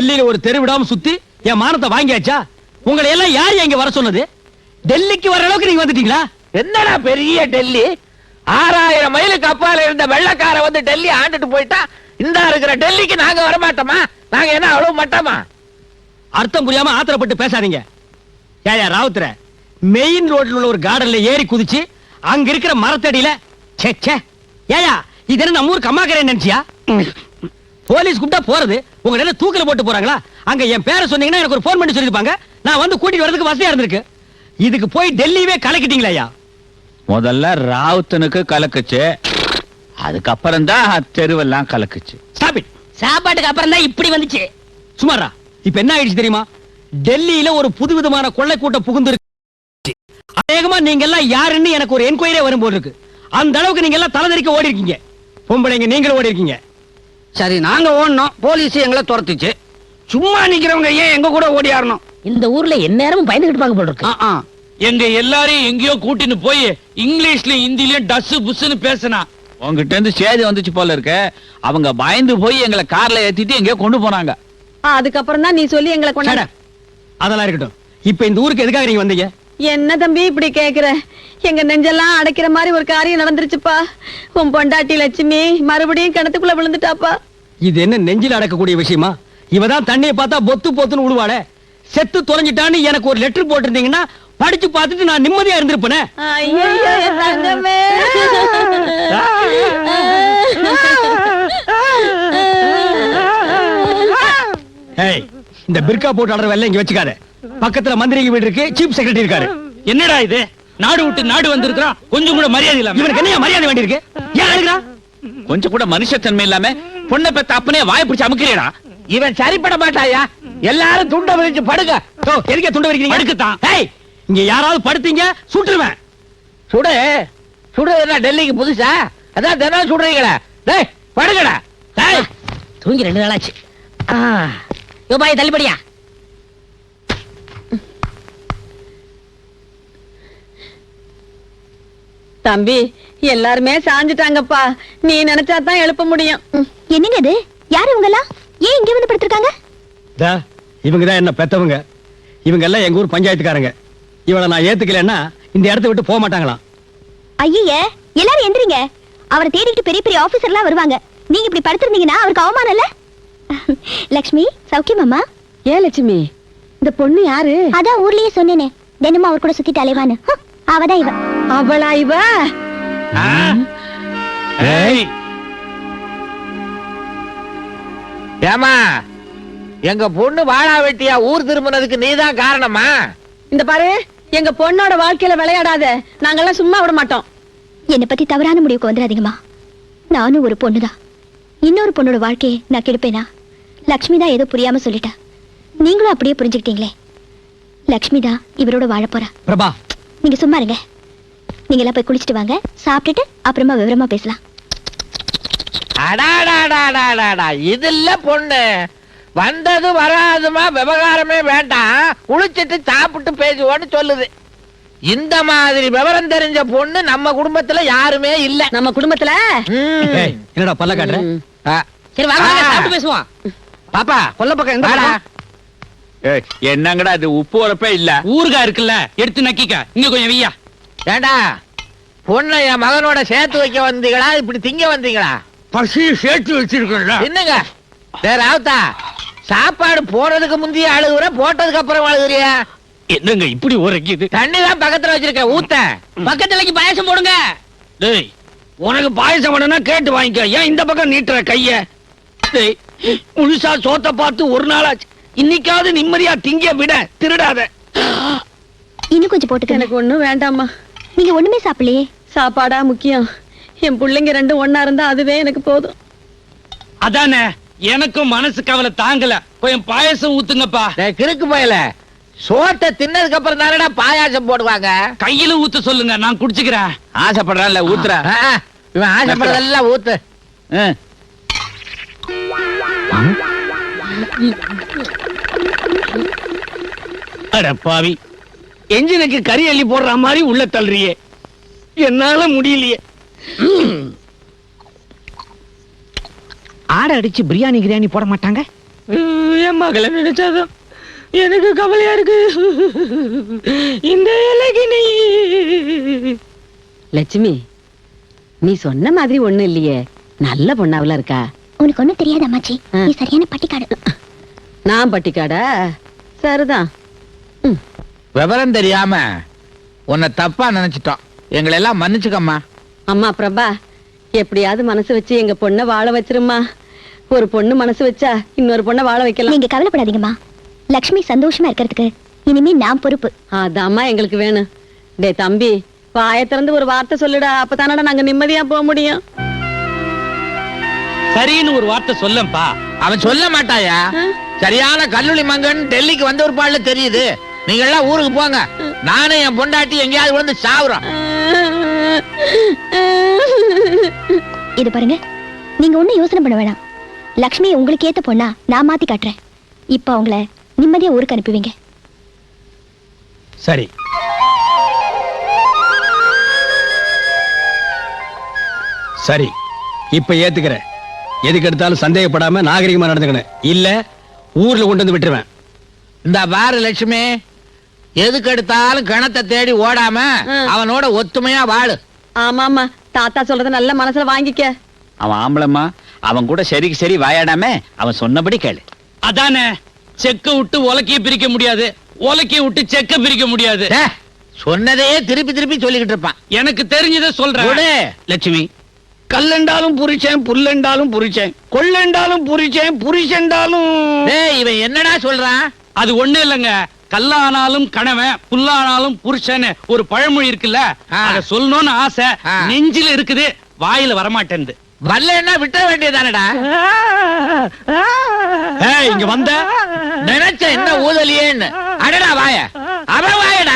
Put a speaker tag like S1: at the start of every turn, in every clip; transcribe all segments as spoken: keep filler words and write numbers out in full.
S1: டெல்லியில ஒரு தெரு விடாம சுத்தி என் மானத்தை வாங்கியாச்சா? உங்களை எல்லாம் யார் இங்க வர சொன்னது? டெல்லிக்கு வர அளவுக்கு நீங்க வந்துட்டீங்களா?
S2: என்னடா பெரிய டெல்லி? ஆறாயிரம் மைலுக்கு அப்பால இருந்த வெள்ளக்கார வந்து டெல்லி ஆண்டுட்டு போயிட்டா இந்த இருக்கிற டெல்லிக்கு நாங்க வர மாட்டோமா? நாங்க என்ன அவ்வளவு மாட்டோமா?
S1: அர்த்தம் புரியாம ஆத்திரப்பட்டு பேசாதீங்க. ஏயா ராவுத்தர, மெயின் ரோட்ல உள்ள ஒரு கார்டன்ல ஏறி குதிச்சு அங்க இருக்கிற மரத்தடியில ச்சே ச்சே. ஏயா இது என்ன நம்ம ஊர் கம்மாக்கரை நினைச்சியா? போலீஸ் கூப்பிட்டா போறது, உங்க என்ன தூக்கில போட்டு போறாங்களா? அங்க என் பேரை சொன்னீங்கன்னா எனக்கு ஒரு போன் பண்ணி சொல்லிருப்பாங்க, நான் வந்து கூட்டிட்டு வரதுக்கு வசதியா இருந்திருக்கு. இதுக்கு போய் டெல்லியவே கலக்கிட்டீங்களா ஐயா?
S3: முதல்ல ராவுத்தனுக்கு கலக்குச்சு, அதுக்கப்புறம் தான் தெருவெல்லாம் கலக்குச்சு.
S1: Stop it.
S4: சாப்பாட்டுக்கு அப்புறம் தான் இப்படி வந்துச்சு.
S1: சுமாரா இப்ப என்ன ஆயிடுச்சு தெரியுமா? டெல்லியில ஒரு புதுவிதமான கொள்ளை கூட்டம் புகுந்து இருக்கு. அநேகமா நீங்க எல்லாம் யாருன்னு எனக்கு ஒரு என்கொயரியே வரும் போல இருக்கு. அந்த அளவுக்கு நீங்க எல்லாம் தலைதறிக்க ஓடி இருக்கீங்க. பொம்பளைங்க நீங்களும் ஓடி இருக்கீங்க.
S5: சரி, நாங்க ஓடணும், போலீஸ் எங்களை துரத்துச்சு. சும்மா நிக்கிறவங்க ஏன் எங்க கூட ஓடி ஆடணும்?
S4: இந்த ஊர்ல எந்நேரமும் பயந்துகிட்டு இருப்பாங்க போல இருக்கு.
S6: எங்க எல்லாரையும் எங்கேயோ கூட்டின்னு போய் இங்கிலீஷ்ல ஹிந்திலயும் டஸ் புஸ்ன்னு பேசினா
S3: உங்ககிட்ட இருந்து சேதி வந்துச்சு போல இருக்கு. அவங்க பயந்து போய் எங்களை கார்ல ஏத்திட்டு எங்கேயோ கொண்டு போனாங்க.
S7: அதுக்கப்புறம் தான் நீ சொல்லி எங்களை கொண்டாட.
S1: அதெல்லாம் இருக்கட்டும். இப்ப இந்த ஊருக்கு எதுக்காக நீங்க வந்தீங்க?
S7: என்ன தம்பி இப்படி கேக்குற? எங்க நெஞ்செல்லாம் அடைக்கிற மாதிரி ஒரு காரியம் நடந்துருச்சுப்பா. உன் பொண்டாட்டி லட்சுமி மறுபடியும் கிணத்துக்குள்ள விழுந்துட்டாப்பா.
S1: இது என்ன நெஞ்சில அடக்கக்கூடிய விஷயமா? இவதான் தண்ணியை பார்த்தா பொத்து பொத்துன்னு விழுவாளே. செத்து தொலைஞ்சிட்டான்னு எனக்கு ஒரு லெட்டர் போட்டிருந்தீங்கன்னா படிச்சு பார்த்துட்டு நான் நிம்மதியா இருந்திருப்பேன். இந்த பிர்கா போட்டு ஆடுற வேலை இங்க வச்சுக்காத. பக்கத்துல மந்திரிங்க வீடு இருக்கு, சீஃப் செக்ரட்டரி இருக்காரு.
S6: என்னடா இது? நாடு விட்டு நாடு வந்திருக்கான், கொஞ்சம் கூட மரியாதை இல்லாம.
S1: இவனுக்கு என்ன மரியாதை வேண்டி இருக்கு? ஏன் அழுகிறான்?
S3: கொஞ்சம் கூட மனுஷத்தன்மை இல்லாம பொண்ணை பெத்த அப்பனே வாய் பிடிச்சு அமுக்கிறீடா.
S2: இவன் சரிப்பட மாட்டாயா? எல்லாரும் துண்ட விரிச்சு படுங்க.
S1: எதுக்கே துண்ட விரிக்கிறீங்க?
S6: படுக்கத்தான்.
S1: ஏய், இங்க யாராவது படுத்தீங்க சுட்டுருவேன்.
S2: சுடு சுடு. என்ன டெல்லிக்கு புதுசா? அதான் தினம் சுடுறீங்களே. டேய் படுங்கடா. டேய்
S4: தூங்கி ரெண்டு நாளாச்சு. யோ பாய் தள்ளிப்படியா.
S7: தம்பி எல்லாருமே சாஞ்சிட்டாங்கப்பா. நீ நினைச்சா தான் எழுப்ப முடியும்.
S8: என்னங்க இது? யாரு இவங்க எல்லாம்? ஏன் இங்க வந்து படுத்திருக்காங்க?
S1: இவங்க தான் என்ன பெத்தவங்க. இவங்க எல்லாம் எங்க ஊர் பஞ்சாயத்துக்காரங்க. இவளை நான் ஏத்துக்கலன்னா இந்த இடத்தை விட்டு போக மாட்டாங்களாம்.
S8: ஐயே, எல்லாரும் எந்திரிங்க. அவரை தேடிட்டு பெரிய பெரிய ஆபீசர்லாம் வருவாங்க. நீங்க இப்படி படுத்திருந்தீங்கன்னா அவருக்கு அவமானம் இல்ல? லட்சுமி சௌக்கியமாமா?
S7: ஏன் லட்சுமி, இந்த பொண்ணு யாரு?
S8: அதான் ஊர்லயே சொன்னேனே, தினமும் அவர் கூட சுத்திட்டு அலைவான்னு. அவதான் இவ.
S7: அவளா இவ?
S2: ஏமா, எங்க பொண்ணு வாழா வெட்டியா ஊர் திரும்பினதுக்கு நீதான் காரணமா?
S7: இந்த பாரு, எங்க பொண்ணோட வாழ்க்கையில விளையாடாத. நாங்கெல்லாம் சும்மா விட மாட்டோம்.
S8: என்னை பத்தி தவறான முடிவுக்கு வந்துடாதீங்கம்மா. நானும் ஒரு பொண்ணுதான். இன்னொரு பொண்ணோட வாழ்க்கையை நான் கெடுப்பேனா? லக்ஷ்மி தான் ஏதோ புரியாம சொல்லிட்டா. நீங்களும் அப்படியே புரிஞ்சுக்கிட்டீங்களே. லக்ஷ்மி தான் இவரோட வாழ போறா.
S1: பிரபா,
S8: நீங்க சும்மா இருங்க. நீங்க எல்லாம் போய் குளிச்சுட்டு வாங்க, சாப்பிட்டுட்டு அப்புறமா விவரமா பேசலாம்.
S2: அடாடாடாடாடா, இது இல்ல பொண்ணு. வந்தது வராதுமா விவகாரமே வேண்டாம், குளிச்சிட்டு சாப்பிட்டு பேசுவோன்னு சொல்லுது. இந்த மாதிரி விவரம் தெரிஞ்ச பொண்ணு நம்ம குடும்பத்துல யாருமே இல்ல.
S7: நம்ம குடும்பத்துல
S1: என்னடா பல்ல காட்டுற?
S4: சரி வாங்க சாப்பிட்டு பேசுவோம்.
S2: பாப்பா கொல்ல பக்கம் எங்க?
S3: என்னங்கடா இது? உப்பு உரப்பே இல்ல.
S6: ஊருகா இருக்குல்ல, எடுத்து நக்கிக்க. இங்க கொஞ்சம் வையா.
S2: ஏண்டா, பொண்ணை என் மகனோட சேர்த்து வைக்க வந்தீங்களா இப்படி திங்க வந்தீங்களா?
S6: பசி சேர்த்து வச்சிருக்கல.
S2: என்னங்க ராவுத்தா, சாப்பாடு போறதுக்கு முந்தைய அழுகுற, போட்டதுக்கு அப்புறம் அழுகுறியா?
S6: என்னங்க இப்படி உரைக்குது?
S2: தண்ணி தான் பக்கத்துல வச்சிருக்க, ஊத்த.
S4: பக்கத்துலக்கு பாயசம் போடுங்க.
S6: டேய், உனக்கு பாயசம் வேணும்னா கேட்டு வாங்கிக்க. ஏன் இந்த பக்கம் நீட்டுற கைய? டேய், முழுசா சோத்த பார்த்து ஒரு நாளாச்சு. இன்னைக்காவது நிம்மதியா திங்க விட, திருடாத.
S8: இன்னும் கொஞ்சம் போட்டுக்க.
S7: எனக்கு ஒண்ணும் வேண்டாமா.
S8: நீங்க ஒண்ணுமே சாப்பிடலையே.
S7: சாப்பாடா முக்கியம்? என் பிள்ளைங்க ரெண்டும் ஒன்னா இருந்தா அதுவே எனக்கு போதும்.
S6: அதானே, எனக்கும் மனசு கவலை தாங்கல. கொஞ்சம் பாயசம் ஊத்துங்கப்பா.
S2: கிறுக்கு போயல, சோத்தை தின்னதுக்கு அப்புறம் தானடா பாயாசம் போடுவாங்க.
S6: கையில ஊத்த சொல்லுங்க, நான் குடிச்சுக்கிறேன்.
S3: ஆசைப்படுறான்ல, ஊத்துற.
S2: இவன் ஆசைப்படுறதெல்லாம் ஊத்து.
S6: அட பாவி, என்ஜினுக்கு கறி அள்ளி போடுற மாதிரி உள்ள தள்ளுறியே. என்னால முடியலையே.
S5: ஆடை அடிச்சு பிரியாணி கிரியாணி போட மாட்டாங்க?
S1: என் மகளை நினைச்சாதான் எனக்கு கவலையா இருக்கு. இந்த இலைக்கு நீ
S7: லட்சுமி, நீ சொன்ன மாதிரி ஒண்ணு இல்லையே, நல்ல பொண்ணாவில இருக்கா.
S8: உனக்கு ஒண்ணும் தெரியாது அம்மாச்சி, நீ சரியான பட்டிக்காடு.
S7: நான் பட்டிக்காடா? சரிதான்.
S2: விவரம் தெரியாம உன்னை தப்பா நினைச்சிட்டோம், எங்களை எல்லாம் மன்னிச்சுக்கம்மா.
S7: அம்மா பிரபா, எப்படியாவது மனசு வச்சு எங்க பொண்ணை வாழ வச்சிருமா. ஒரு பொண்ணு மனசு வச்சா இன்னொரு பொண்ணை வாழ வைக்கலாம்.
S8: நீங்க கவலைப்படாதீங்கம்மா, லக்ஷ்மி சந்தோஷமா இருக்கிறதுக்கு இனிமே நான் பொறுப்பு.
S7: அதாம்மா எங்களுக்கு வேணும். டே தம்பி, வாயை திறந்து ஒரு வார்த்தை சொல்லுடா, அப்பதானடா நாங்க நிம்மதியா போக முடியும்.
S1: சரின்னு ஒரு வார்த்தை சொல்லப்பா.
S2: அவன் சொல்ல மாட்டாயா? சரியான கல்லூரி மங்கன் டெல்லிக்கு வந்த ஒரு பாடல தெரியுது. நீங்க எல்லாம் ஊருக்கு போங்க, நானும் என் பொண்டாட்டி எங்கேயாவது விழுந்து சாவுறோம்.
S8: இது பாருங்க, நீங்க ஒண்ணும் யோசனை பண்ண வேணாம். லக்ஷ்மி உங்களுக்கு ஏத்த பொண்ணா நான் மாத்தி காட்டுறேன். இப்ப அவங்கள நிம்மதியா ஊருக்கு அனுப்புவீங்க.
S1: சரி, சரி, இப்ப ஏத்துக்கிறேன். எதுக்கு எடுத்தாலும் சந்தேகப்படாம நாகரிகமா நடந்துக்கணும், இல்ல ஊர்ல கொண்டு வந்து விட்டுருவேன்.
S2: இந்த பாரு லட்சுமி, எதுக்கு எடுத்தாலும் கணத்தை தேடி ஓடாம அவனோட ஒத்துமையா வாழு.
S7: ஆமா ஆமா, தாத்தா சொல்றத நல்ல மனசுல வாங்கிக்க.
S3: அவன் ஆம்பளம்மா, அவன் கூட சரிக்கு சரி வாயாடாம அவன் சொன்னபடி கேளு.
S1: அதானே, செக்க விட்டு உலக்கைய பிரிக்க முடியாது, உலக்கைய விட்டு செக்க பிரிக்க முடியாது.
S2: டே, சொன்னதையே திருப்பி திருப்பி சொல்லிக்கிட்டு இருப்பான்.
S1: எனக்கு தெரிஞ்சதை சொல்றேன்.
S2: விடு.
S6: லட்சுமி, கல்லெண்டாலும் புரிச்சேன், புல்லெண்டாலும் புரிச்சேன், கொள்ளெண்டாலும் புரிச்சேன், புரிச்செண்டாலும்.
S2: டேய், இவன் என்னடா சொல்றான்?
S1: அது ஒண்ணு இல்லங்க, கல்லானாலும் கணவன், புல்லானாலும் புருஷன் ஒரு பழமொழி இருக்குல்ல,
S2: ஆ.
S1: அத சொல்லணும்னு ஆசை
S2: ஆ.
S1: நெஞ்சில இருக்குது, வாயில வரமாட்டேன்து.
S2: வரலன்னா விட்ட வேண்டியதானடா.
S1: ஏய், இங்க வந்த
S2: நினைச்ச என்ன ஊதலியேன்னு. அடடா வாய, அவன் வாயடா.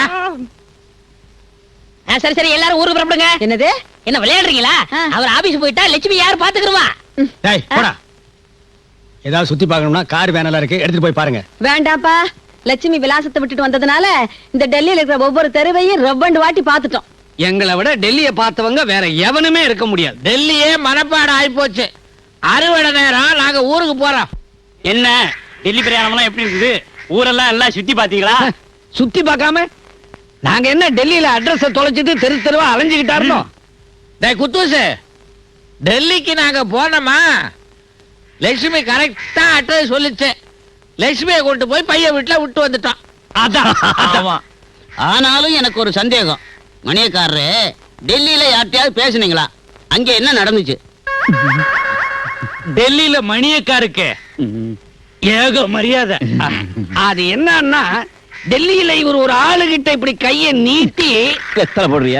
S4: சரி சரி, எல்லாரும் ஊருக்கு புறப்படுங்க.
S7: என்னது?
S4: என்ன விளையாடுறீங்களா? அவர் ஆபீஸ் போயிட்டா லட்சுமி யார் பாத்துக்கிறவா?
S1: டேய் போடா. ஏதாவது சுத்தி பார்க்கணும்னா கார் வேனெல்லாம் இருக்கு, எடுத்துட்டு போய் பாருங்க.
S7: வேண்டாப்பா, லட்சுமி விலாசத்தை விட்டுட்டு வந்ததுனால இந்த டெல்லியில இருக்கிற ஒவ்வொரு தெருவையும் ரெவ்வண்டு வாட்டி பாத்துட்டோம்.
S6: எங்களை விட டெல்லியை பார்த்தவங்க வேற எவனுமே இருக்க முடியாது.
S2: டெல்லியே மனப்பாடம் ஆயிப்போச்சு. அறுவடை நேரம், நாங்க ஊருக்கு போறோம்.
S1: என்ன டெல்லி பிரயாணம்லாம் எப்படி இருக்குது? ஊரெல்லாம் எல்லாம் சுத்தி பாத்தீங்களா?
S6: சுத்தி பார்க்காம நாங்க என்ன டெல்லியில அட்ரஸ் தொலைச்சிட்டு தெரு தெருவா அலைஞ்சுக்கிட்டா இருந்தோம்.
S2: டேய் குத்தூசு, டெல்லிக்கு நாங்க போனோமா, லட்சுமி கரெக்டா அட்ரஸ் சொல்லிச்சு. லட்சுமியை கொண்டு போய் பைய வீட்டுல விட்டு வந்துட்டோம்.
S1: அதான்
S3: ஆமா.
S5: ஆனாலும் எனக்கு ஒரு சந்தேகம். மணியக்காரரு, டெல்லியில யார்கிட்டயாவது பேசுனீங்களா? அங்க என்ன நடந்துச்சு?
S1: டெல்லியில மணியக்காருக்கு ஏக மரியாதை.
S6: அது என்னன்னா, டெல்லியில இவர் ஒரு ஆளுகிட்ட இப்படி கைய நீட்டி
S3: எத்தனை போடுறியா?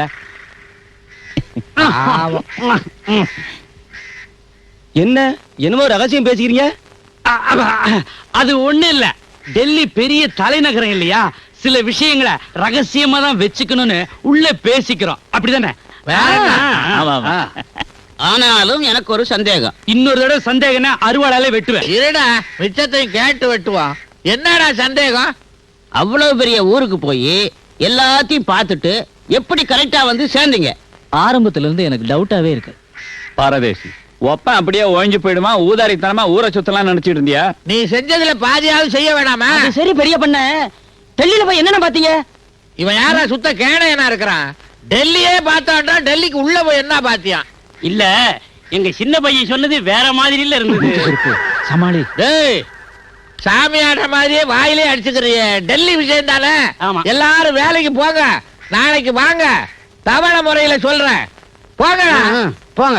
S1: என்ன என்னமோ ரகசியம் பேசிக்கிறீங்க? அது ஒண்ணு இல்ல, டெல்லி பெரிய தலைநகரம் இல்லையா, சில விஷயங்களை ரகசியமா தான் வச்சுக்கணும்னு உள்ள பேசிக்கிறோம், அப்படிதானே?
S2: வேற என்ன?
S3: ஆமா, ஆமா.
S5: ஆனாலும் எனக்கு ஒரு சந்தேகம்.
S1: இன்னொரு தடவை சந்தேகம்னா அறுவாளாலே வெட்டுவேன்.
S2: இருடா, மிச்சத்தையும் கேட்டு வெட்டுவோம். என்னடா சந்தேகம்?
S5: அவ்வளவு பெரிய ஊருக்கு போய் எல்லாத்தையும் பார்த்துட்டு எப்படி கரெக்டா வந்து சேர்ந்தீங்க?
S4: ஆரம்பத்துல இருந்து எனக்கு டவுட்டாவே இருக்கு.
S3: பாரதேசி, ஒப்பன் அப்படியே ஓய்ஞ்சு போயிடுமா, ஊதாரித்தனமா ஊரை சுத்தலாம் நினைச்சிட்டு இருந்தியா?
S2: நீ செஞ்சதுல பாதியாவது செய்ய வேணாமா?
S4: அது சரி பெரிய பண்ண, டெல்லியில போய் என்னென்ன பாத்தீங்க?
S2: இவன் யாரா சுத்த கேணையனா இருக்கிறான்? டெல்லியே பார்த்தான்டா, டெல்லிக்கு உள்ள போய் என்ன பாத்தியான்?
S1: இல்ல, எங்க சின்ன பையன் சொன்னது வேற மாதிரில இருந்தது.
S3: சமாளி.
S2: டேய், சாமியாட்ட மாதிரியே வாயிலே அடிச்சுக்கிறிய. டெல்லி விஷயம் தானே.
S1: ஆமா.
S2: எல்லாரும் வேலைக்கு போங்க, நாளைக்கு வாங்க. தவணை முறையில சொல்றேன், போங்க.
S6: போங்க.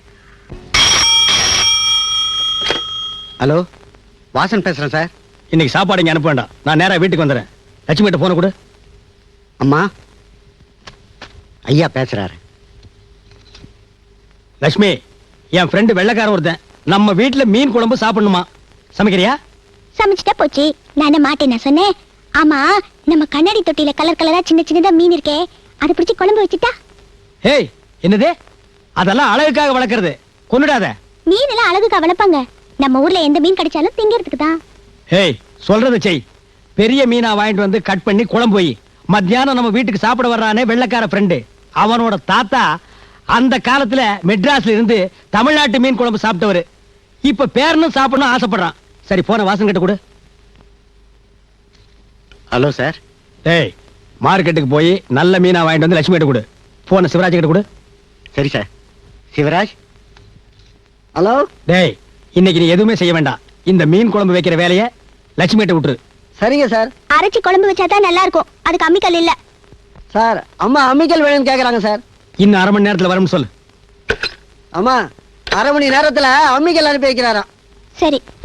S6: ஹலோ, வாசன் பேசுறேன் சார்.
S1: இன்னைக்கு சாப்பாடு இங்க அனுப்ப வேண்டாம், நான் நேரா வீட்டுக்கு வந்துடுறேன். லட்சுமி கிட்ட போன கொடு.
S6: அம்மா, ஐயா பேசுறாரு.
S1: லட்சுமி, என் ஃப்ரெண்டு வெள்ளைக்காரன் ஒருத்தன் நம்ம வீட்டுல மீன் குழம்பு சாப்பிடணுமா, சமைக்கிறியா?
S8: சமைச்சிட்டா போச்சு, நான் மாட்டேன் நான் சொன்னேன். ஆமா, நம்ம கண்ணாடி தொட்டியில கலர் கலரா சின்ன சின்னதா மீன் இருக்கே, அதை பிடிச்சி குழம்பு வச்சுட்டா?
S1: ஏய், என்னது? அதெல்லாம் அழகுக்காக வளர்க்கறது, கொன்னுடாத.
S8: மீன் எல்லாம் அழகுக்கா வளர்ப்பாங்க, நம்ம ஊர்ல எந்த மீன் கிடைச்சாலும் திங்கிறதுக்கு தான்.
S1: ஏய், சொல்றதை செய். பெரிய மீனா வாங்கிட்டு வந்து கட் பண்ணி குழம்பு வை. மத்தியானம் நம்ம வீட்டுக்கு சாப்பிட வர்றானே வெள்ளைக்கார ஃப்ரெண்டு, அவனோட தாத்தா அந்த காலத்துல மெட்ராஸ்ல இருந்து தமிழ்நாட்டு மீன் குழம்பு சாப்பிட்டவரு. இப்ப பேரனும் சாப்பிடணும் ஆசைப்படுறான். சரி, போன வாசன் கிட்ட கொடு.
S5: Hello sir.
S1: டேய் மார்க்கெட்டுக்கு போய் நல்ல மீனா வாங்கிட்டு வந்து லட்சுமி கிட்ட கொடு. போன சிவராஜ் கிட்ட கொடு.
S5: சரி சார். சிவராஜ். ஹலோ.
S1: டேய் இன்னைக்கு நீ எதுவுமே செய்ய வேண்டாம். இந்த மீன் குழம்பு வைக்கிற வேலையை லட்சுமி கிட்ட விட்டுரு.
S9: சரிங்க சார்.
S8: அரைச்சி குழம்பு வச்சாதான் நல்லா இருக்கும். அதுக்கு அம்மிக்கல் இல்ல.
S9: சார் அம்மா அம்மிக்கல் வேணும்னு கேக்குறாங்க சார்.
S1: இன்னும் அரை மணி நேரத்துல வரும்னு சொல்லு.
S9: அம்மா அரை மணி நேரத்துல அம்மிக்கல் அனுப்பி வைக்கிறாராம்.
S8: சரி.